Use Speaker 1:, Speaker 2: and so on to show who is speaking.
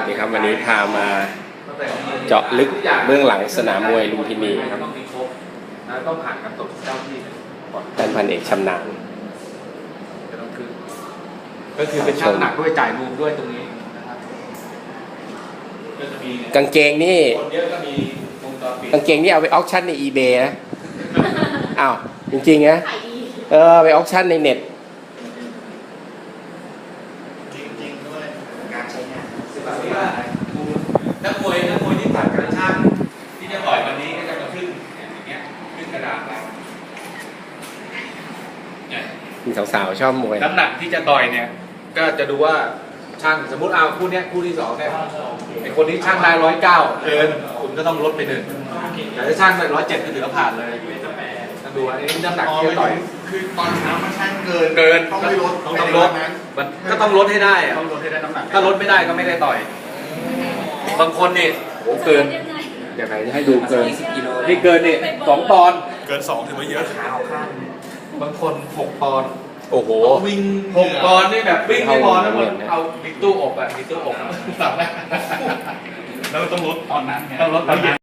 Speaker 1: นี่ครับวันนี้พามาเจาะลึกเบื้องหลังสนามมวยลุมพินีครับ
Speaker 2: ต้องผ่านการตรวจเจ้าที่ก่อน
Speaker 1: ท่านพันเอกชำนาญ
Speaker 2: ก็คือเป็นช่างหนักด้วยจ่ายรวมด้วยตรงนี้นะครับก็จะมี
Speaker 1: กางเกงนี่
Speaker 2: คนเยอะก็มีวงจรปิด
Speaker 1: กางเกงนี่เอาไปออคชั่นใน eBay นะอ้าวจริงๆนะไปออคชั่นในเน็ต
Speaker 2: จริงๆด้วยการใช้งานแบบนี้ว่านักมวยที่ผ่านการช่างที่จะต่อยวันนี้ก็จะมาขึ้นอย่างเงี้ยขึ้นกระดาษเรา
Speaker 1: มีสาวๆชอบมวย
Speaker 2: น้ำหนักที่จะต่อยเนี่ยก็จะดูว่าช่างสมมติเอาคู่นี้คู่ที่สองเนี่ยไอคนนี้ช่างได้109เกินคุณก็ต้องลดไป1แต่ถ้าช่างได้107ก็ถือว่าผ่านเลยต้องดูว่าน้ำหนักที่จะต่อย
Speaker 3: คือตอนเช้ามันช่างเกินต้องไม่ลด
Speaker 2: ต้องลดมันก็ต้องลดให้ได้อะ
Speaker 3: ต้องลดให้ได้น้ำหนัก
Speaker 2: ถ้าลดไม่ได้ก็ไม่ได้ต่อยบางคนนี่โหเกิน
Speaker 1: เดี๋ยวใครให้ดูเกิน
Speaker 2: นี่เกินนี่2 ปอนด์
Speaker 3: เกิน2ถือว่าเยอะ
Speaker 2: ขาข้างบางคน6 ปอนด์
Speaker 1: โอ้โห
Speaker 3: วิ่ง
Speaker 2: 6 ปอนด์นี่แบบวิ่งไม่พอนะมันเอาบิ๊กตู้อบอะบิ๊กตู้อบสั่งได้
Speaker 3: แล้วต้องลดตอนนั้นไง
Speaker 2: ต้องลดตอนนั้น